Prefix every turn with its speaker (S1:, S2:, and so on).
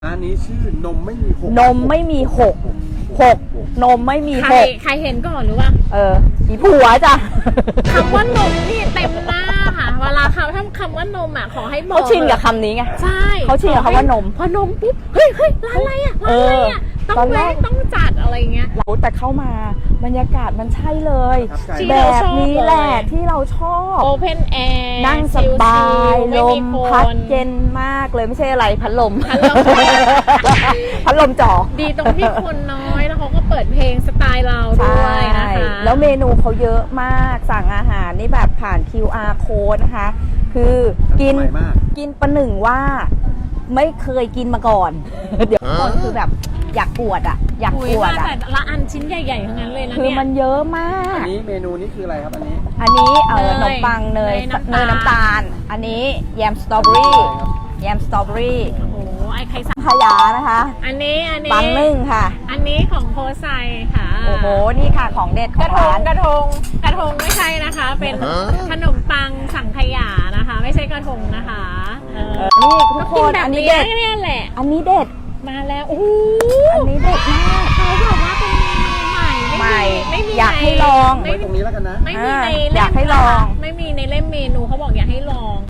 S1: ร้านนี้ชื่อนมไม่มีหก
S2: นมไม่มีหกนมไม่มีหก
S3: ใครเห็นก่อนหรือว่า
S2: อีผัวจ้ะ
S3: คำว่านมนี่เต็มหน้าค่ะเวลาเขาทำคำว่านมอ่ะขอให้บอก
S2: เขาชินกับคำนี้ไง
S3: ใช่
S2: เขาชินกับคำว่านม
S3: พอนมปุ๊บเฮ้ยร้านอะไรอ่ะร้านอะไรอ่ะต้องแวะต้องจัดอะไรเงี้ย
S2: แต่เข้ามาบรรยากาศมันใช่เลย
S3: ที่
S2: แบ
S3: เรา
S2: บ
S3: ชอบ
S2: นี้แหละที่เราชอบ
S3: โอเพนแอร์
S2: นั่งสบายลมพัดเย็นมากเลยไม่ใช่อะไรพัดลม พัดลมจ่อ
S3: ดีตรงที่คนน้อยแล้วเขาก็เปิดเพลงสไตล์เราด้วยนะคะ
S2: แล้วเมนูเขาเยอะมากสั่งอาหารนี่แบบผ่าน QR code นะคะ คือกินประหนึ่งว่าไม่เคยกินมาก่อน เดี๋ยวก่อนคือแบบอยากปวดอ่ะ อยาก
S3: คุย
S2: ปวด
S3: มา
S2: อ่ะ
S3: แต่ละอันชิ้นใหญ่ๆทั้งนั้นเลยนะ
S2: คือ
S3: เนี่ย
S2: มันเยอะมาก
S1: อันนี้เมนูนี้คืออะไรครับอันนี้
S2: อันนี้ข
S3: เนย
S2: นมปังเนย
S3: เนยน้ำตาล
S2: อันนี้แยมสตรอเบอรี่แยมสตรอเบอรี่
S3: โอ้โหไอ้ใครสั่ง
S2: ขยานะคะ
S3: อันนี้
S2: ปังนึ่งค่ะ
S3: อันนี้ของโพไซค่ะ
S2: โอ้โหนี่ค่ะของเด็ดข
S3: ก
S2: อง
S3: ระท
S2: ร้าง น
S3: กระทงไม่ใช่นะคะ เป็นขนมปังสังขยานะคะ ไม่ใช่กระทงนะคะ
S2: นี่ทุกคน
S3: แบบ
S2: อันนี้
S3: นี้
S2: เด็ด
S3: เนี่ยแหละ
S2: อันนี้เด็ด
S3: มาแล้วโอ้โห
S2: อันนี้เด็ดมาก
S3: เขาบอกว่าเป็นเมนูใหม่
S2: ใหม่
S3: ไม่มี
S2: อยากให้ลอง
S1: ไว้ตรงนี้แล้วกันนะ
S3: ไม่มีใน
S2: อ
S3: เล่
S2: ยาก
S3: ม
S2: ให้ลอง
S3: ไม่มีในเล่มเมนูเขาบอกอยากให้ลอง